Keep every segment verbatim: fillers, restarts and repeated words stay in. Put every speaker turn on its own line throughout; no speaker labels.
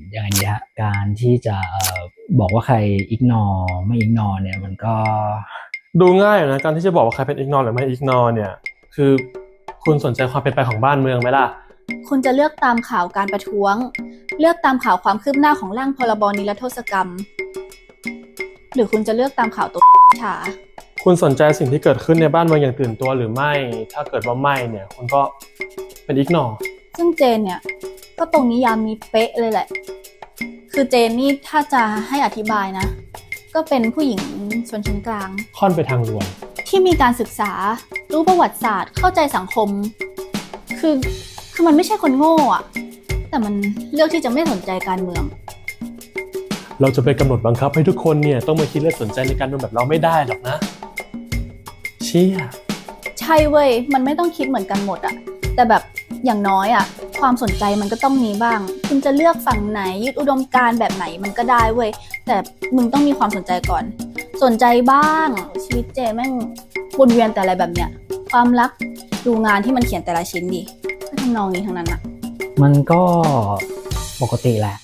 ยังไงดีฮะการที่จะเอ่อบอกว่าใครอิกนอไม่อิกนอเนี่ยมันก็
ดูง่ายนะการที่จะบอกว่าใครเป็นอิกนอหรือไม่อิกนอเนี่ยคือคุณสนใจความเป็นไปของบ้านเมืองไหมล่ะ
คุณจะเลือกตามข่าวการประท้วงเลือกตามข่าวความคืบหน้าของร่างพรบนิรโทษกรรมหรือคุณจะเลือกตามข่าวตัวฉา
คุณสนใจสิ่งที่เกิดขึ้นในบ้านเมืองอย่างตื่นตัวหรือไม่ถ้าเกิดว่าไม่เนี่ยคุณก็เป็นอิกนอ
ซึ่งเจนเนี่ยก็ตรงนิยามนี้เป๊ะเลยแหละคือเจนนี่ถ้าจะให้อธิบายนะก็เป็นผู้หญิงชนชั้นกลาง
ค่อนไปทางรวย
ที่มีการศึกษารู้ประวัติศาสตร์เข้าใจสังคมคือคือมันไม่ใช่คนโง่อะแต่มันเลือกที่จะไม่สนใจการเมือง
เราจะไปกำหนดบังคับให้ทุกคนเนี่ยต้องมาคิดและสนใจในการเมืองแบบเราไม่ได้หรอกนะเชี่ย
ใช่เว้ยมันไม่ต้องคิดเหมือนกันหมดอะแต่แบบอย่างน้อยอะความสนใจมันก็ต้องมีบ้างคุณจะเลือกฝั่งไหนยึดอุดมการณ์แบบไหนมันก็ได้เว้ยแต่มึงต้องมีความสนใจก่อนสนใจบ้างชีวิตเจแม่งวนเวียนแต่อะไรแบบเนี้ยความรักดูงานที่มันเขียนแต่ละชิ้นดิก็ทำนองนี้ทั้งนั้นอะ
มันก็ปกติแหละ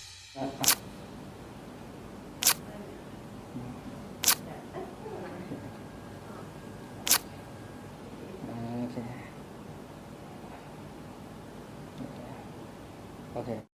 โอเคโอเค